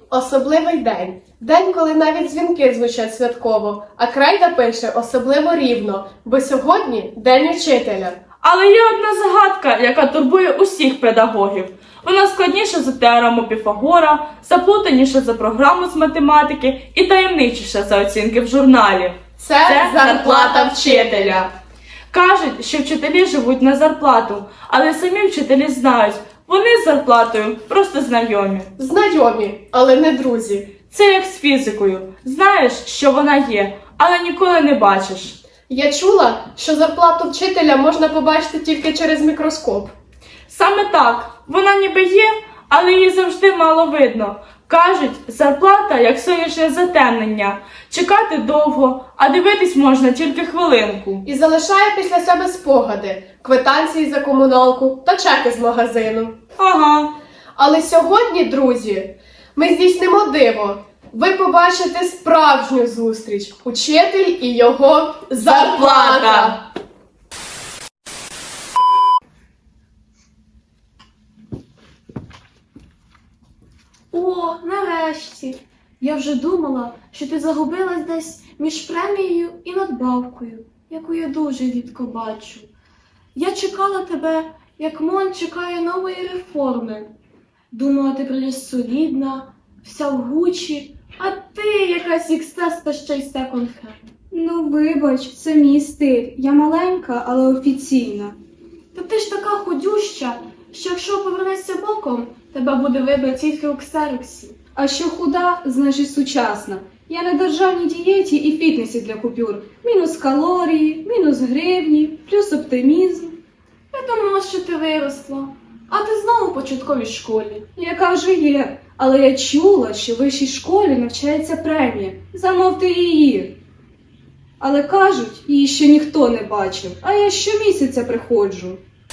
особливий день. День, коли навіть дзвінки звучать святково, а крейда пише особливо рівно, бо сьогодні День учителя. Але є одна загадка, яка турбує усіх педагогів. Вона складніша за теорему Піфагора, заплутаніша за програму з математики і таємничіша за оцінки в журналі. Це зарплата вчителя. Кажуть, що вчителі живуть на зарплату, але самі вчителі знають, вони з зарплатою просто знайомі. Знайомі, але не друзі. Це як з фізикою. Знаєш, що вона є, але ніколи не бачиш. Я чула, що зарплату вчителя можна побачити тільки через мікроскоп. Саме так, вона ніби є, але її завжди мало видно. Кажуть, зарплата як сонячне затемнення. Чекати довго, а дивитись можна тільки хвилинку. І залишає після себе спогади, квитанції за комуналку та чеки з магазину. Ага. Але сьогодні, друзі, ми здійснимо диво. Ви побачите справжню зустріч. Учитель і його зарплата. О, нарешті! Я вже думала, що ти загубилась десь між премією і надбавкою, яку я дуже рідко бачу. Я чекала тебе, як МОН чекає нової реформи. Думала, ти прийдеш солідна, вся в Гуччі, а ти якась ікстес та ще й секонд-хенд. Ну, вибач, це мій стиль. Я маленька, але офіційна. Та ти ж така худюща, що якщо повернешся боком, тебе буде видно тільки у ксероксі. А що худа, значить сучасна. Я на державній дієті і фітнесі для купюр. Мінус калорії, мінус гривні, плюс оптимізм. Я думала, що ти виросла, а ти знову в початковій школі. Яка вже є. Але я чула, що в вищій школі навчається премія. Замовте її. Але кажуть, її ще ніхто не бачив, а я щомісяця приходжу.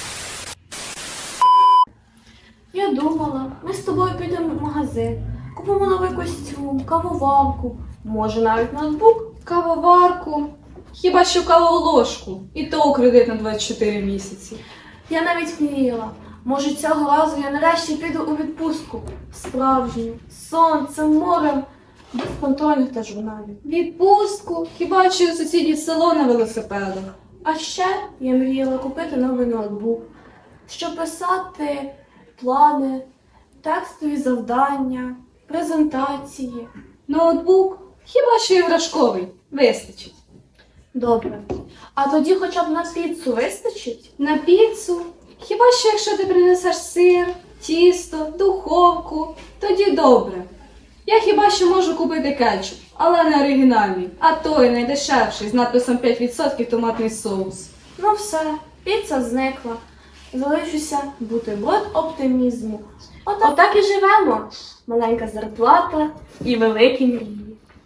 Я думала, ми з тобою підемо в магазин, купимо новий костюм, кавоварку, може навіть ноутбук. Кавоварку. Хіба що каволожку. І то у кредит на 24 місяці. Я навіть мріяла, може цього разу я нарешті піду у відпустку. Справжню, з сонцем, морем, без контрольних та журналів. Відпустку? Хіба що у сусідів село на велосипедах. А ще я мріяла купити новий ноутбук, щоб писати плани, текстові завдання, презентації. Ноутбук? Хіба що іграшковий. Вистачить. Добре. А тоді хоча б на піцу вистачить? На піцу? Хіба що якщо ти принесеш сир, тісто, духовку, тоді добре. Я хіба що можу купити кетчуп, але не оригінальний, а той найдешевший з надписом 5% томатний соус. Ну все, піца зникла. Залишуся бутерброд оптимізму. Отак і живемо. Маленька зарплата і великі мрії.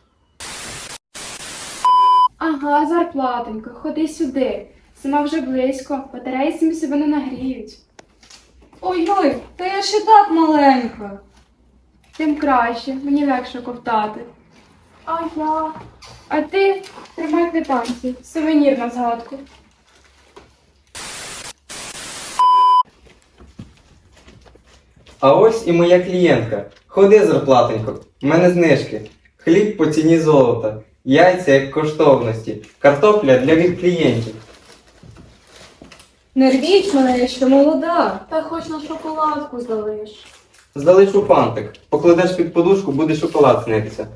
Ага, зарплатонько, ходи сюди. Зима вже близько, батареї самі себе не нагріють. Ой-ой, та я ще так маленька. Тим краще, мені легше ковтати. А ти тримай квитанцію, сувенір на згадку. А ось і моя клієнтка. Ходи, зарплатенько, в мене знижки. Хліб по ціні золота, яйця як коштовності, картопля для клієнтів. Не рвіть мене, я ще молода. Та хоч на шоколадку залиш. Залишу фантик. Покладеш під подушку, буде шоколад снитися.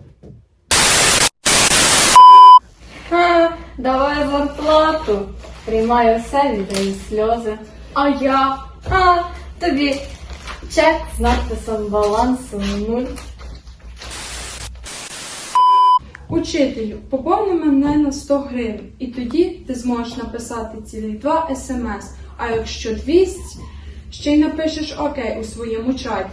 Давай зарплату. Приймаю все, віддаю сльози. А я? Тобі чек з надписом балансу 0. Учителю, поповни мене на 100 гривень, і тоді ти зможеш написати цілих 2 смс, а якщо 200, ще й напишеш окей у своєму чаті.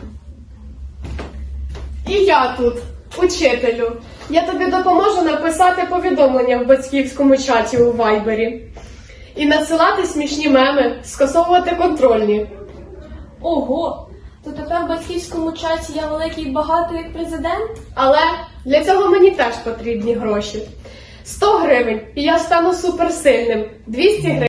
І я тут, учителю. Я тобі допоможу написати повідомлення в батьківському чаті у Вайбері. І надсилати смішні меми, скасовувати контрольні. Ого! То тепер в батьківському чаті я великий і багатий як президент? Але для цього мені теж потрібні гроші. 100 гривень, і я стану суперсильним. 200 гривень.